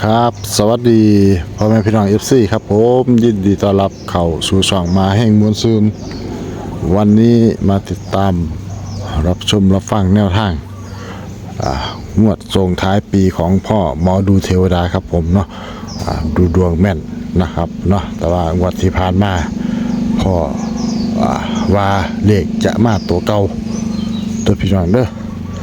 ครับสวัสดีพ่อแม่พี่น้อง FC ครับผมยินดีต้อนรับเข้าสู่ช่องมาแห่งมวลซืนวันนี้มาติดตามรับชมรับฟังแนวทางงวดส่งท้ายปีของพ่อหมอดูเทวดาครับผมเนาะดูดวงแม่นนะครับเนาะแต่ว่างวดที่ผ่านมาพ่อว่าเลขจะมาตัวเก่าตัวพี่น้องเด้อ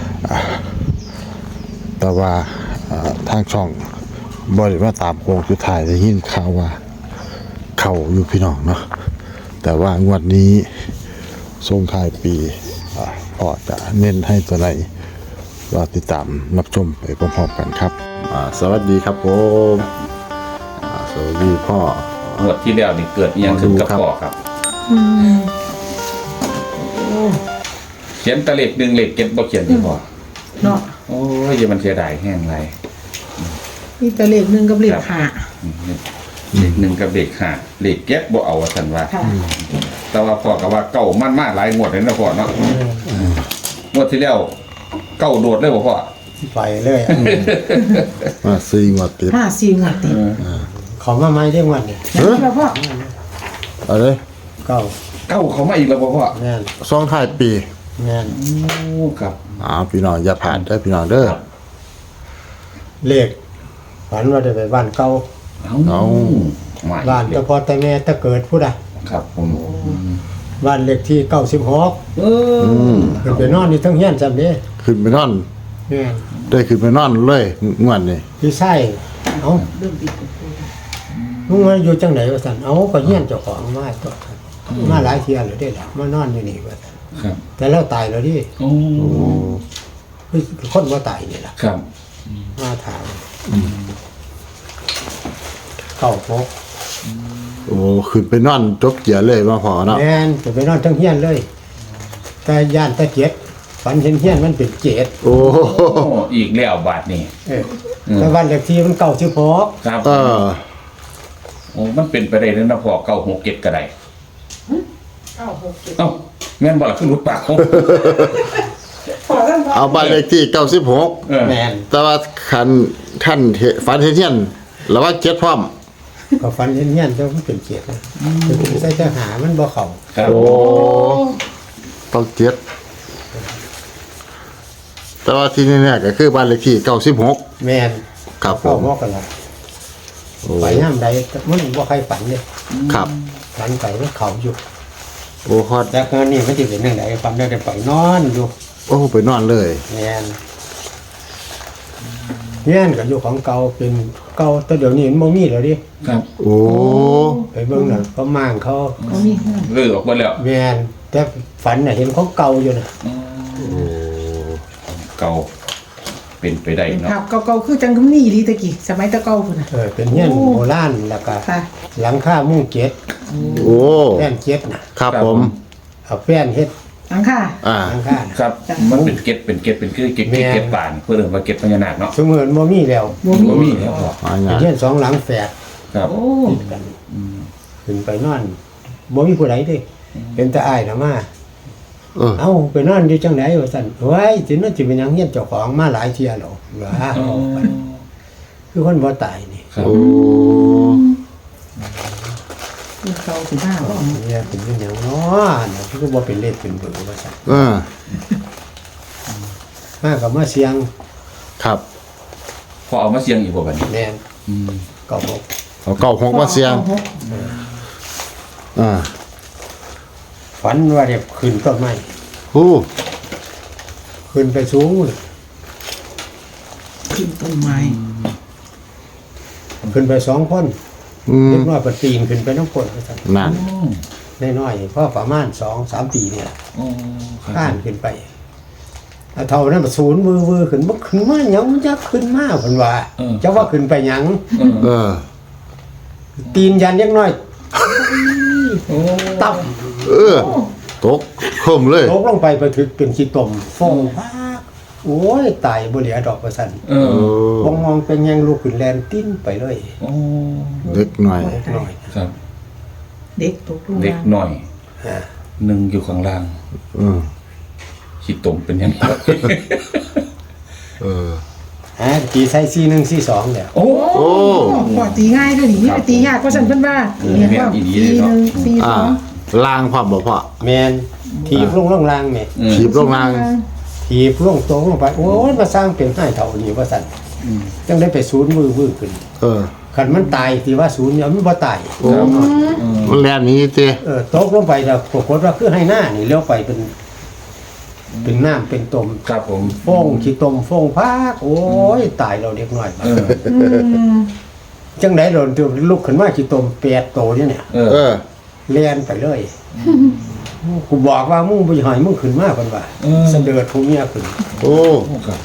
แต่ว่าทางช่องบริว่าตามโค้งสุดท้ายได้ยินข่าวว่าเข่าอยู่พี่น้องเนาะแต่ว่างวดนี้ส่งท้ายปีพ่อจะเน้นให้ตัวไหนรอติดตามรับชมไปพร้อมๆกันครับสวัสดีครับผมสวัสดีพ่องวดที่แล้วนี่เกิดอิหยังขึ้นกับพ่อครับเขียนแตะเล็กหนึ่งเล็กเก็บบ่เขียนที่พ่อเนาะโอ้ยอย่ามันเสียดายแห้งไรนี่แต่เลขหนึ่งกับเลขห้าเล็กหนึ่งกับเล็กห้าเล็กเก็บบ่เอาว่าสันว่าค่ะแต่ว่าพ่อก็ว่าเก่ามันมากหลายงวดเลยนะพ่อเนาะงวดที่แล้วเก่าโดดเลยบ่พ่อไปเลยอะมาซีงวดติด 54งวดติดเขามาไม่ได้วันนี่อย่างที่พ่ออะไรเก้าเก่าเขามาอีกแล้วบ่พ่อแม่นส่งท้ายปีแม่นโอ้ครับพี่น้องอย่าผ่านได้อพี่น้องเด้อเลขฝันว่าได้ไปบ้านเก่าเอามาบ้านแต่พอแต่แม่แต่เกิดผู้ใดครับผมบ้านเลขที่96 เออขึ้นไปนอนนี่ทั้งเฮียนจำเด้ขึ้นไปนอนแม่นได้ขึ้นไปนอนเลยงวดนี้พี่ไส้เอ้ามึงมาอยู่จังไหนวะสันเอ้าก็เฮียนเจ้าของมาตัวมาหลายเที่ยแล้วเด้ล่ะมานอนอยู่นี่วะซั่นครับแต่เราตายแล้วดิโอ้คือคนว่าตายนี่ล่ะครับมาถามเข้าพกโอ้ขึ้นไปนอนจกเกียร์เลยมาพอเนาะแม่นจะไปนอนทั้งเฮียนเลย แต่ย่านตะเกียดฝันเห็นเฮียนมันเป็นเจ็ดโอ้โอ้อีกแล้วบาทนี่แต่วันเลขที่มันเก่าชื่อพกครับเออโอ้มันเป็นไปได้เลยนะพ่อเก่าหกเก็ดก็ได้ 967 เอ้าแม่นบ่ล่ะคือหลุดปากเขาพอกันบ่เอาบ้านเลขที่96 เออแม่นแต่ว่าคันท่านฝันเห็นเฮียนแล้วว่าเจ็ดพร้อมก็ฝันเห็นเฮียนแต่มันเป็นเจ็ดนะคือใส่ทหารมันบ่เข้าครับโอ้ต้องเจ็ดแต่ว่าที่นี่ๆก็คือบ้านเลขที่96 แม่นครับผเข้าม พกกันละโอ้ไปย่ามใดมันบ่ใครฝันเลยครับฝันไปมันเข้าอยู่โอ้ฮอดแต่เงินนี่มันสิเป็นจังไดฝันได้แต่ไปนอนอยู่โอ้ไปนอนเลยแม่นเฮียนก็อยู่ของเก่าเป็นเก่าแต่เดี๋ยวนี้มันบ่มีแล้วดิครับโอ้ไปเบิ่งน่ะเขามั่างเขาเขามีห้องเลิกออกไปแล้วแม่นแต่ฝันน่ะเห็นของเก่าอยู่น่ะเก่าเป็นไปได้เป็นเนาะภาพเก่าๆคือจังกำนี่ดีตะกี้สมัยตะเก่าพุ่นน่ะเป็นเฮียนโบราณแล้วก็ค่ะหลังคามุ้งเจ็ดโอ้แป้นเจ็ดน่ะครับผมเอาแป้นเฮ็ดหลังค่ะหลังคาน่ะครับ มันเป็นเก็ดเป็นคือเก็ดแม่เก็ดป่านเพื่อเรื่องว่าเก็ดพญานาคเนาะสมือนบ่มีแล้วบ่มีบ่มีแล้วพ่อมาเป็นงานเฮียนสองหลังแฝดครับโอ้ติดกันขึ้นไปนอนบ่มีผู้ใดเด้เป็นแต่อ้ายน่ะมาเออเอ้าไปนอนอยู่จังไดว่าซั่นเฮ้ยสินั่นสิเป็นหยังเฮียนเจ้าของมาหลายเที่ยแล้วว่าคือคนบ่ตายนี่ครับโอ้คือเก่าสิมาบ่เนี่ยเป็นหยังเนาะน่ะคือบ่เป็นเลขเป็นเบอร์ว่าซั่นเออมาก็มาเสียงครับพอเอามาเสียงอีกบ่บัดนี้แม่นก็บอกเอาเก้าหกมาเสียงอ่าฝันว่าเด็กขึ้นต้นไม้ฮู้ขึ้นไปสูงเลยขึ้นต้นไม้ขึ้นไปสองคนอืมเล็กน้อยปตีนขึ้นไปน้ำคนว่าซั่นนั่นน้อยๆเพราะประมาณ2-3 ปีเนี่ยโอ้ครับข้านขึ้นไปเอาเท่านั้นศูนย์มือขึ้นบ่ขึ้นมาหยังมันจะขึ้นมาเพิ่นว่าจะว่าขึ้นไปหยังเออตีนยันเล็กน้อยโอ้ตับเออตกคมเลยตกลงไปไปถึกเป็นขี้ตมฟองพากโอ้ยตายบ่เหลือดอกว่าซั่นเอเอออมองเป็นหยังลูกขึ้นแลนติ้นไปเลยโอ้เล็กหน่อยเล็กน้อยครับเด็กตกลงเล็กมาหน่อยฮะหนึ่งอยู่ข้างล่างเออขี้ตมเป็นยังไงเออตีใส่4142แล้วโอ้โอ้พอตีง่ายด้วยนี่ไปตียากเพราะฉันเพิ่นว่าเนี่ยว่า4 1 4 อ่า 2 ลางพร้อมบ่พ่อแม่นถีบลงล่างแม่ถีบลงลางถีบลงตรงลงไปโอ้ยมาสร้างเป็นให้เท่านี้ว่าซั่นจังได้ไปศูนย์มือขึ้นเออคันมันตายที่ว่าศูนย์เนี่ยมันบ่ตายโอ้มันแล่นหนี้เจ้ตกลงไปแล้วปรากฏว่าคือให้หน้านี่เลี้ยวไปเป็นน้ำเป็นต้มครับผมฟงขี้ต้มฟงพากโอ้ยตายเราเด็กน้อยเออจังได๋โดนตัวลุกขึ้นมาขี้ต้ม8โตเนี่ยเออเออเลียนไปเลยกูบอกว่ามึงบ่ให้มึงขึ้นมาเพิ่นว่าเสด็จผู้เมียขึ้นโอ้ครับ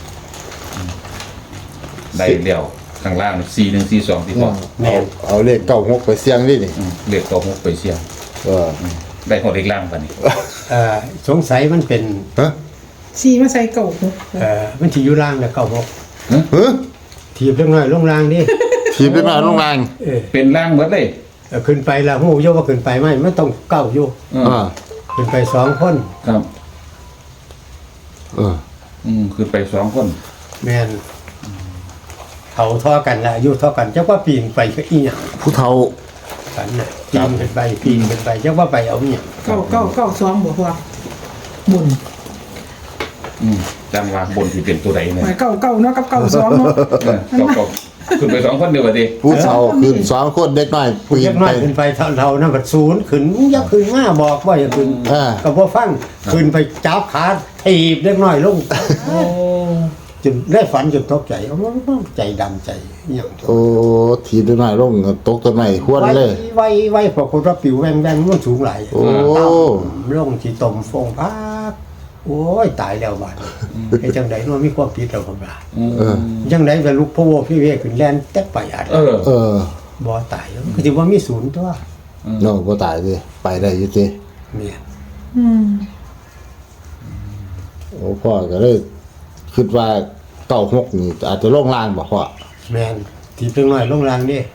ได้เดี่ยวข้างล่าง4142ที่พ่อเอาเลข96ไปเสี่ยงดินี่เรียกตัว6ไปเสี่ยงเออได้ของเล็กล่างป่ะนี่สงสัยมันเป็นฮะสีมาใส่เก่ามันสิอยู่ล่างแล้วเก้าหกเฮ้ยถีบเล็กน้อยลงล่างดิถีบได้มาลงลางเป็นล่างหมดเลยขึ้นไปแล้วฮู้อยู่ว่าขึ้นไปไหมมันต้องเก้าอยู่อ่าขึ้นไป2คนครับเออคือไป2คนแม่นเขาท่อกันละอายุท่อกันจักว่าปีนไปก็อีหยังผู้เฒ่ากันน่ะปีนขึ้นไปจักว่าไปเอาอีหยังเก่า2บ่พอบุญจังว่าบนที่เป็นตัวใดเนี่ยหมายเก่าเนาะกับเก่า2เนาะก็ขึ้นไป2คนเดียวกันดิผู้เฒ่าขึ้น2คนเด็กน้อยปีเล็นกไปน้อยขึ้นไปเท่านั้นก็ศูนย์ขึ้นอย่าขึ้นมาบอกว่าอย่าขึ้นอ่าก็บ่ฟังขึ้นไปจับขาถีบเล็กน้อยลงจนได้ฝันจนตกใจเอาใจดำใจอหย่างโอ้ถีบได้น้อยลงตกต้นไม้หวนเลยไว้ปรากฏว่าปิวแวงมันสูงหลายโอ้ลงที่ตมฟงพักโอ้ยตายแล้วบาดไอ้จังได๋เนาะมีความผิดแล้วผมว่าเออจังได๋ก็ลุกพะโวพี่เวขึ้นแล่นแต่ไปอัดเออเออบ่ตายแล้วก็สิว่ามีศูนย์ตัวเนาะบ่ตายสิไปได้อยู่ติแม่นโอ้พ่อก็เลยคิดว่า96นี่อาจจะลงล่างบ่พ่อแม่นที่เพิ่งน้อยลงล่างนี่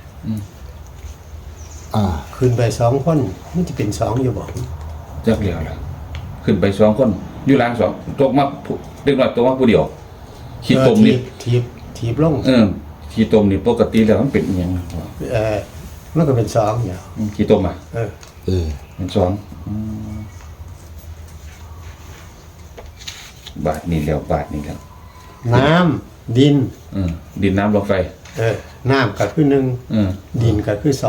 อ่าขึ้นไป2คนมันสิเป็น2อยู่บ่จักเดียวละขึ้นไป2คนอยู่ล่าง2ตกมาเด็กน้อยตกมาผู้เดียวขี้ตมนี่ถีบลงขี้ตมนี่ปกติแล้วมันเป็นอีหยังนะพ่อมันก็เป็น2อยู่ขี้ตมอ่ะเออเออเป็นบาทนี่แล้วบาทนี่แล้วน้ำดินดินน้ำลมไฟน้ำก็คือ1ดินก็คือ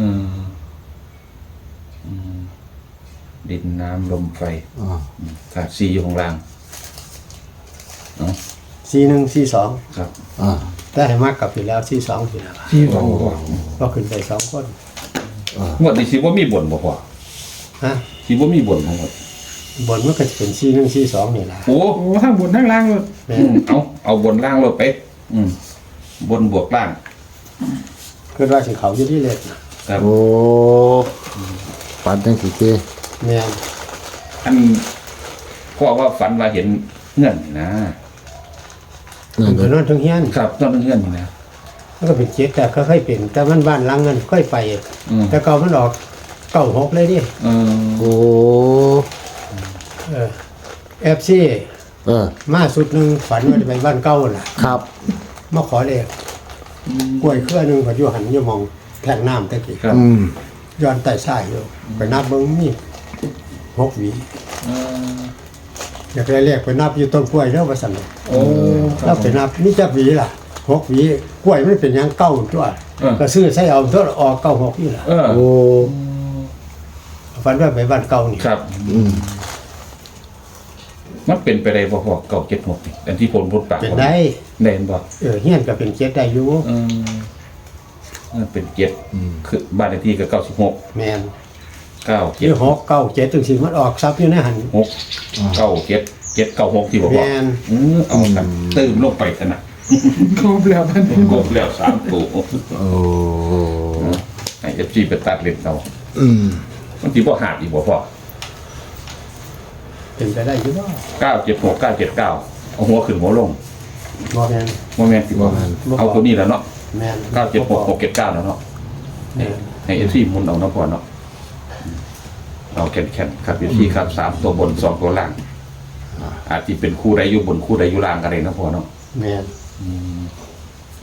ดินน้ำลมไฟอ่าขาดซีอยู่ข้างล่าง 2 4 1 4 2 ครับอ่าแต่ให้มากกลับไปแล้ว42ทีแล้วที่สองก็ขึ้นไป2คนงวดนี้สิว่ามีบ่นบ่พอฮะสิว่ามีบ่นทั้งหมดบนมันก็จะเป็น41 42นี่ล่ะโอ้โอ้ทั้งบนทั้งล่างเลยเอาบนล่างลดไปบนบวกล่างคือว่าสิเขาอยู่ที่เล็กนะครับโอ้ปันจังสิติแม่นอันพ่อว่าฝันว่าเห็นเงื่อนนี่นะนั่นเพิ่นนอนทั้งเฮียนครับนอนเงื่อนนี่นะมันก็เป็นเจ็ดแต่ก็ค่อยเป็นแต่มันบ้านหลังเงินค่อยไป แต่เก่ามันออก96เลยดิโอ้ FC เออมาสุดหนึงฝันว่าจะไปบ้านเก่าน่ะครับมาขอเลขกล้วยเครือหนึงก็อยู่หันอยู่มองแท่งน้ำตะกี้ครับอืมย้อนใต้ซ้ายอยู่ไปนับเบิ่งมี6หวีอยากได้เลขไปนับอยู่ต้นกล้วยเด้อว่าซั่นโอ้เราไปนับนี่จักหวีล่ะ6หวีกล้วยมันเป็นหยังเก้าตัวก็ซื้อใส่เอาตัวออก96นี่ล่ะโอ้ฝันว่าไปบ้านเก่านี่ครับอืมมันเป็นไปได้บ่พอเก่า76นี่อันที่ผลพูดปากเป็นได้ได้เห็นบ่เฮียนก็เป็นเจ็ดได้อยู่มันเป็น7คือบ้านเลขที่ก็96 แม่น 9 ที่6 9 7ถึงสิมันออกซับอยู่ในหัน 6 9 7 7 9 6ที่บอกว่าแม่นเอากันตื้มลงไปกันนะครบแล้วท่านกบแล้ว3ตัวโอ้ให้ FC ไปตัดเล่นเอาอืมมันสิบ่หาดอีกบ่พอเป็นไปได้อยู่บ่ 976 979เอาหัวขึ้นหัวลงบ่แม่นบ่แม่นสิบ่เอาตัวนี้แล้วเนาะแม่น 976 679แล้วเนาะแม่นให้ FC หมุนเอาเนาะพอเนาะเอาแข็งๆครับ FC ครับ3ตัวบน2ตัวล่างอาจสิเป็นคู่ใดอยู่บนคู่ใดอยู่ล่างก็ได้นะพอเนาะแม่น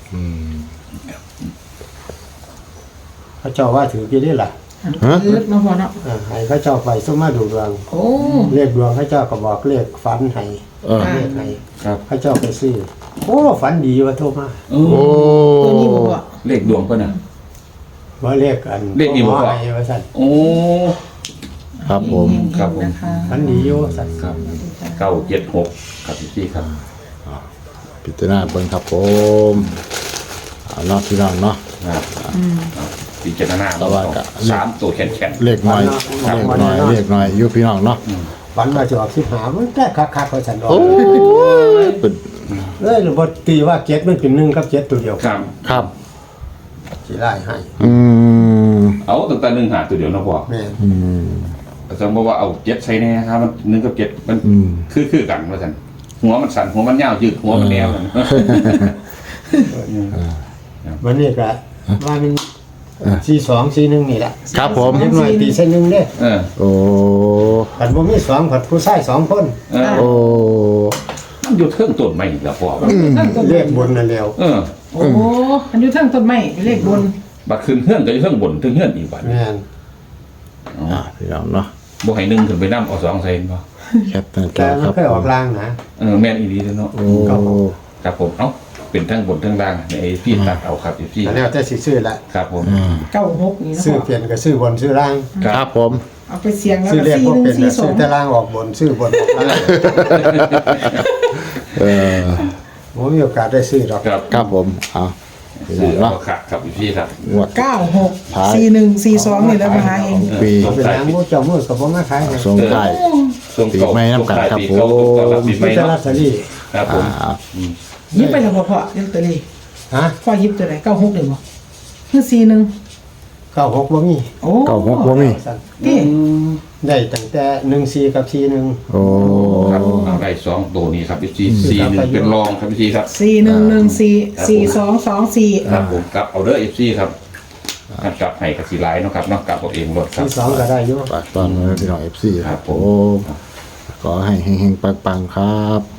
เขาเจ้าว่าถือกี่ได้ล่ะคือมาพอเนาะให้เขาเจ้าไปสมมาดูดวงโอ้เลขดวงเขาเจ้าก็บอกเลขฝันให้ เลขให้ครับเขาเจ้าไปซื้อโอ้ฝันดีว่าโทรมาโอ้โอ้ตัวนี้บอกว่าเลขดวงเพิ่นน่ะว่าเลขอันเลขดีบ่พ่อให้ว่าซั่นโอ้ครับผมครับผมนะคะฝันดีอยู่ว่าซั่นครับ976ครับพี่ครับพิจารณาเบิ่งครับผมเอาเนาะพี่น้องเนาะครับพิจารณาแต่ว่าก็สามตัวแข็งเลขน้อยเลขน้อยอยู่พี่น้องเนาะฝันว่าจะออก15มันแต่คักๆว่าซั่นดอกโอ้ยเป็นหรือบ่ตีว่า7มันเป็น1กับ7ตัวเดียวๆครับครับสิไล่ให้อืมเอาตั้งแต่1หาตัวเดียวนะพ่อแม่นอืมสมมติว่าเอา7ใส่แน่ครับมัน1กับ7มันอืมคือกันว่าซั่นหัวมันสั่นหัวมันยาวยืดหัวมันแนวกันวันนี้ก็ว่ามัน42 41นี่แหละครับผมเล็กน้อยตีใส่1เด้เออโอ้ผัดบ่มี2ผัดผู้ชาย2คนเออโอ้มันอยู่เทิงต้นไม้อีกแล้วพ่อว่าเลขบนนั่นแล้วเออโอ้อันอยู่เทิงต้นไม้เป็นเลขบนบัดขึ้นเฮือนก็อยู่เทิงบนเทิงเฮือนอีกบัดแม่นอ่ะพี่น้องเนาะบ่ให้1ขึ้นไปนำเอา2ใส่บ่แคปหน้าจแต่อมัคน รับเคยออกลางนะแม่นอีหลีเด้อเนาะโอ้ครับผมเอ้าเป็นทั้งบนทั้งล่างในพี่ตัดเอาครับพี่อันแล้วแต่สิซื้อละครับผม 96นี่นะซื้อพ่อเปลี่ยนก็ซื้อบนซื้อล่างครับผมเอาไปเสียงแล้วซื้อก็เลขบ่เป็นน่ะซื้อแต่ 4142 ล่างออกบนซื้อบนออกล่างเออผมมีโอกาสได้ซื้อดอกครับครับผมเอาพี่น้ซื้อองเนาะเอาครับครับพี่ครับงวด 964142นี่แหล้วมาหาเองปีเป็นหยังบ่เจ้ามือก็บ่มาขายให้สงท้ายส่งปีใหม่น้ำกันครับปีเก่าผมต้อนรับปีใหมีม่แต่ลอเนาะตเตอรี่ครับผมยิบไปแล้วพ่อยิบตัวนี้ฮะพ่อยิบตัวไหน96เลยบ่คือ41 96บ่มีโอ้เก้าหกบ่มีที่ได้ตั้งแต่14กับ41 โอ้ครับเอาได้2ตัวนี้ครับพี่41เป็นรองครับพี่ครับ 41144224 ครับผมกลับเอาเด้อ FC ครับกลับให้กับสีไลน์เนาะครับเนาะกลับเอาเองรถครับที่2ก็ได้อยู่ฝากตอนไว้พี่น้อง FC ครับผมขอให้เฮงๆปังๆครับ